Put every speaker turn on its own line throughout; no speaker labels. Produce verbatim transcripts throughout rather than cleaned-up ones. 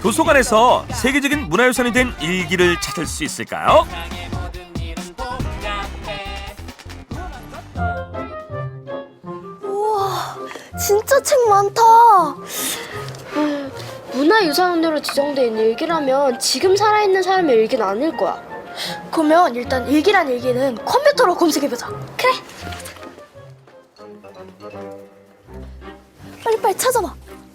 도서관에서 세계적인 문화유산이 된 일기를 찾을 수 있을까요?
우와, 진짜 책 많다.
음, 문화유산으로 지정된 일기라면 지금 살아있는 사람의 일기는 아닐 거야.
그러면 일단 일기란 일기는 컴퓨터로 검색해보자.
그래.
빨리빨리 찾아봐.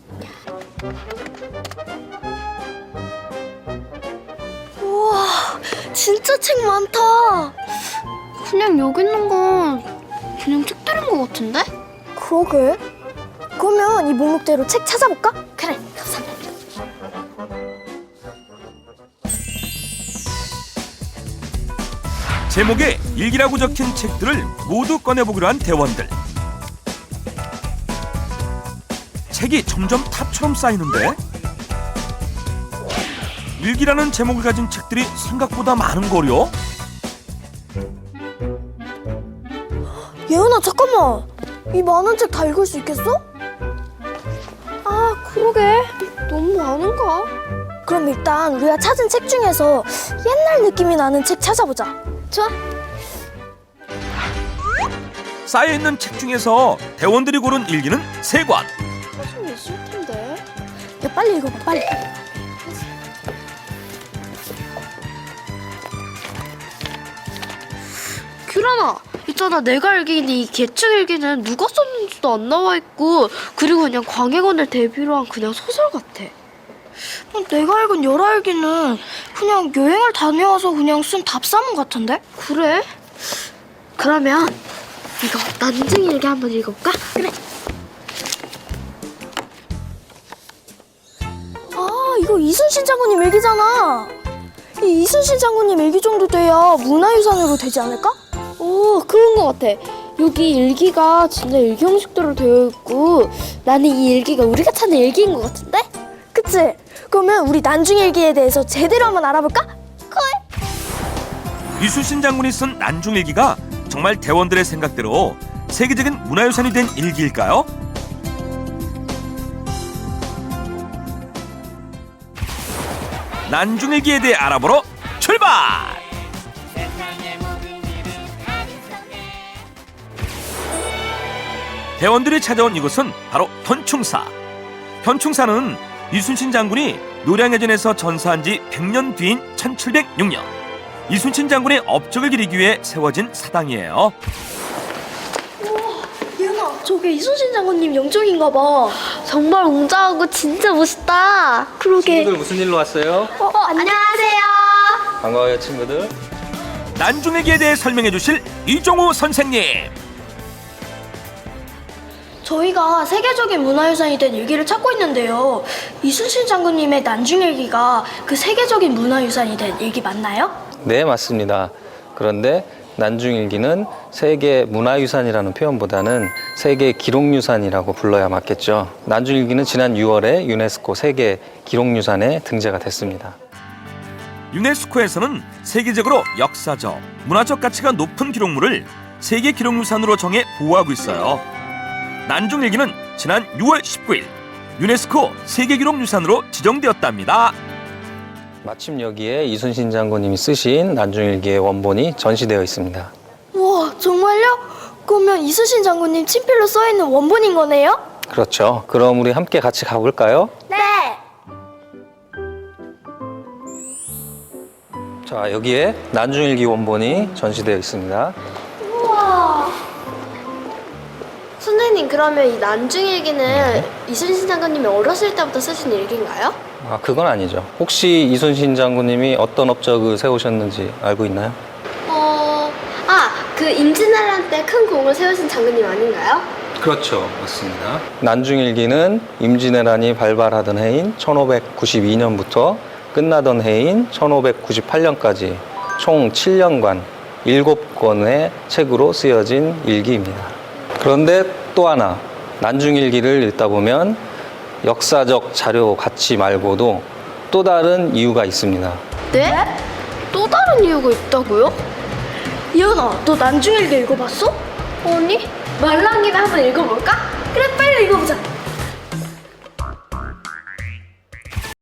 우와, 진짜 책 많다.
그냥 여기 있는 건 그냥 책들인 것 같은데?
그러게. 그러면 이 목록대로 책 찾아볼까?
그래, 감사합니다.
제목에 일기라고 적힌 책들을 모두 꺼내보기로 한 대원들. 책이 점점 탑처럼 쌓이는데 일기라는 제목을 가진 책들이 생각보다 많은 거려.
예은아, 잠깐만. 이 많은 책 다 읽을 수 있겠어?
아, 그러게. 너무 많은가?
그럼 일단 우리가 찾은 책 중에서 옛날 느낌이 나는 책 찾아보자.
좋아.
쌓여있는 책 중에서 대원들이 고른 일기는 세 권.
사실 있을 텐데.
야, 빨리 읽어봐, 빨리.
규란아, 있잖아. 내가 알기에는 이 개책 일기는 누가 썼는지도 안 나와 있고, 그리고 그냥 광해군을 대비로 한 그냥 소설 같아.
내가 읽은 열알기는 그냥 여행을 다녀와서 그냥 쓴 답사문 같은데?
그래? 그러면 이거 난징 일기 한번 읽어볼까? 그래.
아, 이거 이순신 장군님 일기잖아. 이 이순신 장군님 일기 정도 돼야 문화유산으로 되지 않을까?
오, 그런 것 같아. 여기 일기가 진짜 일기 형식대로 되어 있고, 나는 이 일기가 우리가 찾는 일기인 것 같은데?
그치? 그러면 우리 난중일기에 대해서 제대로 한번 알아볼까? 콜!
이순신 장군이 쓴 난중일기가 정말 대원들의 생각대로 세계적인 문화유산이 된 일기일까요? 난중일기에 대해 알아보러 출발! 대원들이 찾아온 이곳은 바로 현충사. 현충사는 이순신 장군이 노량해전에서 전사한 지 백 년 뒤인 천칠백육 년 이순신 장군의 업적을 기리기 위해 세워진 사당이에요.
예은아, 저게 이순신 장군님 영종인가 봐.
정말 웅장하고 진짜 멋있다.
그러게.
친구들 무슨 일로 왔어요?
어, 안녕하세요.
반가워요 친구들.
난중일기에 대해 설명해 주실 이종우 선생님.
저희가 세계적인 문화유산이 된 일기를 찾고 있는데요. 이순신 장군님의 난중일기가 그 세계적인 문화유산이 된 일기 맞나요?
네, 맞습니다. 그런데 난중일기는 세계 문화유산이라는 표현보다는 세계 기록유산이라고 불러야 맞겠죠. 난중일기는 지난 유월에 유네스코 세계 기록유산에 등재가 됐습니다.
유네스코에서는 세계적으로 역사적, 문화적 가치가 높은 기록물을 세계 기록유산으로 정해 보호하고 있어요. 난중일기는 지난 유월 십구일 유네스코 세계기록유산으로 지정되었답니다.
마침 여기에 이순신 장군님이 쓰신 난중일기의 원본이 전시되어 있습니다.
우와, 정말요? 그러면 이순신 장군님 친필로 써있는 원본인 거네요?
그렇죠. 그럼 우리 함께 같이 가볼까요?
네!
자, 여기에 난중일기 원본이 전시되어 있습니다.
우와!
선생님, 그러면 이 난중일기는 이순신 장군님이 어렸을 때부터 쓰신 일기인가요?
아, 그건 아니죠. 혹시 이순신 장군님이 어떤 업적을 세우셨는지 알고 있나요?
어... 아, 그 임진왜란 때 큰 공을 세우신 장군님 아닌가요?
그렇죠. 맞습니다. 난중일기는 임진왜란이 발발하던 해인 천오백구십이 년부터 끝나던 해인 천오백구십팔 년까지 총 칠 년간 일곱 권의 책으로 쓰여진 일기입니다. 그런데 또 하나, 난중일기를 읽다 보면 역사적 자료 가치 말고도 또 다른 이유가 있습니다.
네? 또 다른 이유가 있다고요?
예은아, 너 난중일기 읽어봤어?
아니, 말랑이를 한번 읽어볼까?
그래, 빨리 읽어보자.